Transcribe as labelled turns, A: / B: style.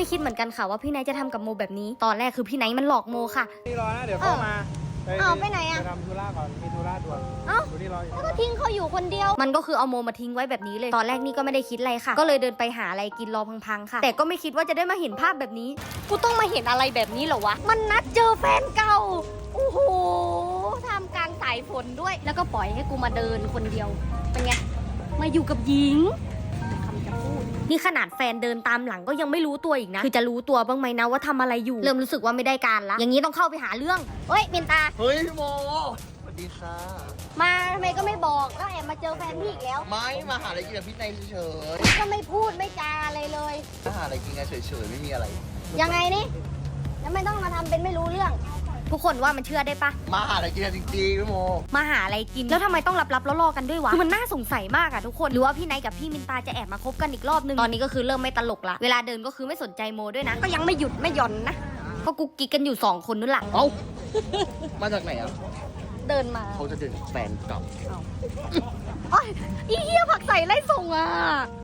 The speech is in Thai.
A: คิดเหมือนกันค่ะว่าพี่ไนท์จะทำกับโมแบบนี้ตอนแรกคือพี่ไนท์มันหลอกโมค่ะ
B: นี่รอนะเดี๋ยวเข้ามา
C: ไปไหนอะ
B: ไปทำธุระก่อนมีธุระด่วนดูนี่รออยู่
C: ก็ทิ้งเขาอยู่คนเดียว
A: มันก็คือเอาโมมาทิ้งไว้แบบนี้เลยตอนแรกนี่ก็ไม่ได้คิดอะไรค่ะก็เลยเดินไปหาอะไรกินรอพังๆค่ะแต่ก็ไม่คิดว่าจะได้มาเห็นภาพแบบนี้กูต้องมาเห็นอะไรแบบนี้เหรอวะมันนัดเจอแฟนเก่าโอ้โหทำกลางสายฝนด้วยแล้วก็ปล่อยให้กูมาเดินคนเดียวเป็นไงมาอยู่กับหญิงคำจะพูดนี่ขนาดแฟนเดินตามหลังก็ยังไม่รู้ตัวอีกนะคือจะรู้ตัวบ้างไหมนะว่าทำอะไรอยู่เริ่มรู้สึกว่าไม่ได้การละอย่างนี้ต้องเข้าไปหาเรื่องเฮ้ยเมนตา
D: เฮ้ยพี่โมสวัสดีค่ะ
C: มาทำไมก็ไม่บอกก็แอบมาเจอแฟนพี่อีกแล้ว
D: ไม่มาหาอะไรกินกับพี่ในเฉย
C: ก็ไม่พูดไม่จาอะไรเลย
D: ๆมาหาอะไรกินกันเฉยๆไม่มีอะไร
C: ยังไงนี่แล้วไม่ต้องมาทำเป็นไม่รู้เรื่อง
A: ทุกคนว่ามันเชื่อได้ปะ
D: มาหาอะไรกินกันจริงๆพี่โม
A: มาหาอะไรกินแล้วทำไมต้องลับๆล่อๆกันด้วยวะคือมันน่าสงสัยมากอะทุกคนหรือว่าพี่ไนท์กับพี่มินตาจะแอบมาคบกันอีกรอบนึงตอนนี้ก็คือเริ่มไม่ตลกละเวลาเดินก็คือไม่สนใจโมด้วยนะก็ยังไม่หยุดไม่หย่อนนะก็กุ๊กกิ๊กกันอยู่2คนนั่นแหละ
D: เอ้ามาจากไหนอ่ะ
A: เดินมา
D: เขาจะเดินแฟนเก่า
A: โอ้ยอีเหี้ยผักใส่ไล่ส่งอะ